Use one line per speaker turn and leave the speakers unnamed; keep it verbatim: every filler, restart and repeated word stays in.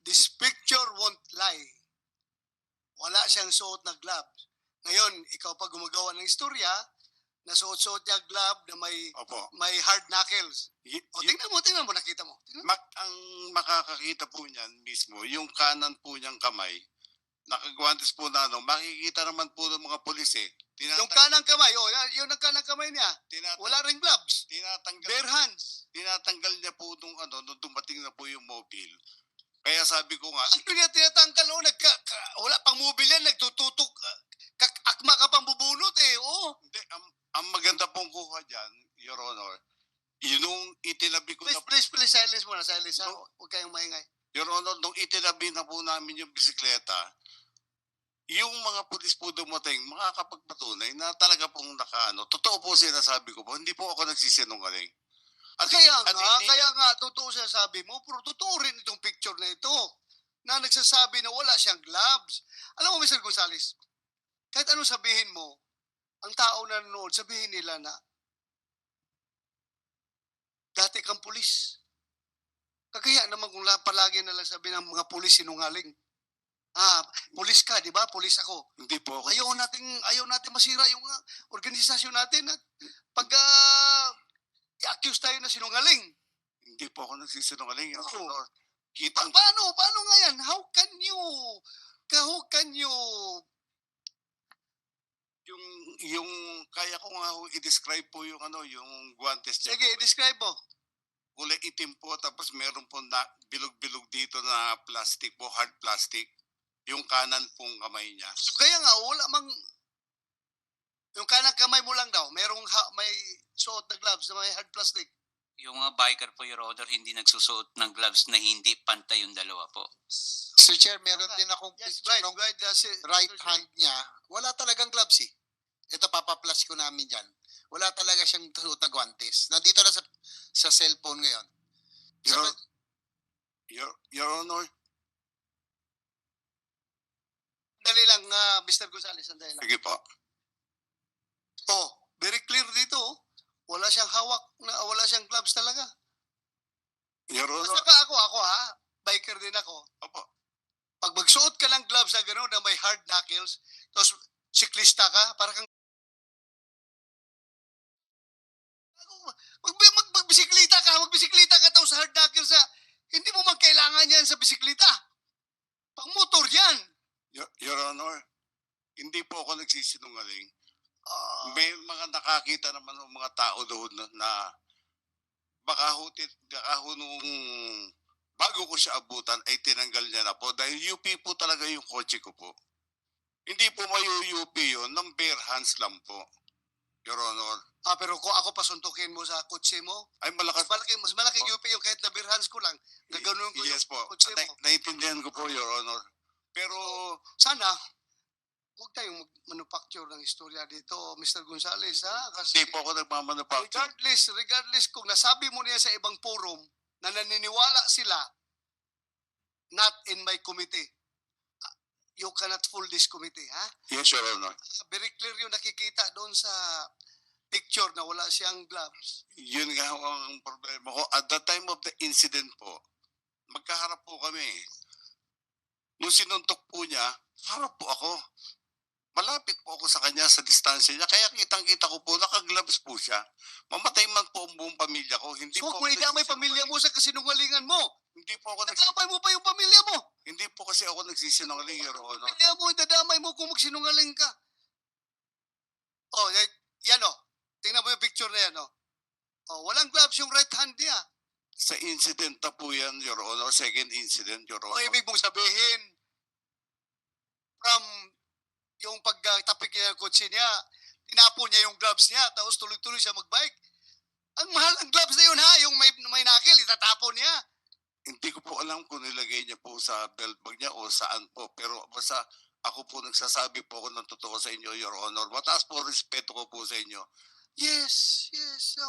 this picture won't lie. Wala siyang suot na gloves. Ngayon, ikaw pa gumagawa ng istorya, nasuot-suot niya glove na may
Opo.
may hard knuckles.
Y-
O,
y-
tingnan mo, tingnan mo, nakita mo. Tingnan mo.
mak- ang makakakita po niyan mismo, yung kanan po niyang kamay, nakagwantes po na ano, makikita naman po ng mga pulis eh. Tinata-
Yung kanang kamay, oh, yan- yung ng kanang kamay niya,
tinata-
wala ring gloves.
tinatanggal,
Bare hands.
tinatanggal niya po nung ano, nung dumating na po yung mobile. Kaya sabi ko nga,
Ano niya tinatanggal, oh, nagka, ka- wala pang mobile yan, nagtututok, uh, kak- akma ka pang bubunot eh, oh.
hindi, ang, ang maganda pong kuha dyan, Your Honor, yung itinabi ko
Please,
na,
please, please, silence muna, silence ha.
No.
Huwag kayong maingay.
Your Honor, nung itinabi na po namin yung bisikleta, yung mga pulis po dumating, makakapagpatunay na talaga pong nakaano. Totoo po sinasabi ko po, hindi po ako nagsisinungaling. At
Kaya
at
nga,
hindi-
kaya nga, totoo siya sabi mo, pero totoo rin itong picture na ito, na nagsasabi na wala siyang gloves. Alam mo, Mister Gonzales, kahit anong sabihin mo, ang tao na nanonood, sabihin nila na, dati kang pulis. Kagaya naman kung la- palagi na lang sabi ng mga pulis sinungaling. Ah, pulis ka, di ba? Pulis ako.
Hindi po ako.
Ayaw natin, ayaw natin masira yung uh, organisasyon natin at pag uh, i-accuse tayo na sinungaling.
Hindi po ako nagsisinungaling. Your
Oo.
Honor.
Pa-
Kitang,
paano? Paano nga yan? How can you, how can you,
yung, yung, kaya ko nga ho i-describe po yung ano, yung guantes niya.
sige, describe mo.
Kulay itim po, tapos meron po na bilog-bilog dito na plastic po, hard plastic. Yung kanan pong kamay niya.
Kaya nga, wala mang, yung kanang kamay mo lang daw, merong ha- may suot na gloves na may hard plastic.
Yung mga biker po, Your Honor, hindi nagsusuot ng gloves na hindi pantay yung dalawa po.
Sir Chair, meron din akong
Yes,
picture
right,
ng
right. That's it.
right hand niya. Wala talagang gloves eh. Ito, papaplas ko namin dyan. Wala talaga siyang suot na guantes. Nandito na sa, sa cellphone ngayon. Sa,
Your, Your, Your Honor,
Sandali lang, uh, Mister Gonzales, sandali lang.
sige po.
Oh, very clear dito. oh. Wala siyang hawak, na, wala siyang gloves talaga.
Your Honor,
Basta ka ako, ako ha, biker din ako.
opo.
Pag magsuot ka ng gloves na gano'n na may hard knuckles, tapos siklista ka, para kang mag, mag, magbisiklita ka, magbisiklita ka tapos hard knuckles sa, hindi mo man kailangan yan sa bisiklita. Pang motor yan.
Your, Your Honor, hindi po ako nagsisinungaling.
Ah,
May mga nakakita naman ng mga tao doon na, na baka hutit, baka ho nung bago ko siya abutan ay tinanggal niya na po dahil U P po talaga yung kotse ko po. Hindi po mayu-U P yun, ng bare hands lang po, Your Honor.
ah, pero kung ako pasuntukin mo sa kotse mo,
Ay malakas.
mas malaki, mas malaki U P yung kahit na bare hands ko lang. Gaganon ko
Yes po,
yung kotse
na,
mo.
naiintindihan ko po, Your Honor. Pero
Sana, huwag tayong mag-manufacture ng istorya dito, Mister Gonzales, ha? Kasi
hindi po ako nagmamanufacture.
regardless, regardless kung nasabi mo niya sa ibang forum na naniniwala sila, not in my committee, ah, you cannot fool this committee, ha?
Yes, Your Honor.
Ah, Very clear yung nakikita doon sa picture na wala siyang gloves.
Yun nga ho ang problema ko. At the time of the incident po, magkaharap po kami. Nung sinuntok po niya, harap po ako. Malapit po ako sa kanya sa distansya niya. Kaya kitang-kita ko po, naka-gloves po siya. Mamatay man po ang buong pamilya ko. Hindi
So,
po
kung
ako
idamay
nagsisinungaling.
pamilya mo sa kasinungalingan mo,
Hindi po ako nagsisinungaling.
nadamay mo pa yung pamilya mo.
Hindi po kasi ako nagsisinungaling, Your Honor.
Pamilya mo, idadamay mo kung magsinungaling ka. Oh, yan, yan oh. Tingnan mo yung picture na yan oh. Oh, walang gloves yung right hand niya.
Sa incident na po yan, Your Honor. Second incident, Your
O
Honor.
ibig mong sabihin, from yung pagtapik niya ng kotse niya, tinapon niya yung gloves niya, tapos tuloy-tuloy siya magbike. Ang mahal ng gloves na yun ha, yung may, may nakil, itatapon niya.
Hindi ko po alam kung nilagay niya po sa belt bag niya o saan po. Pero basta ako po nagsasabi po ako ng totoo sa inyo, Your Honor. Mataas po respeto ko po sa inyo.
Yes, yes.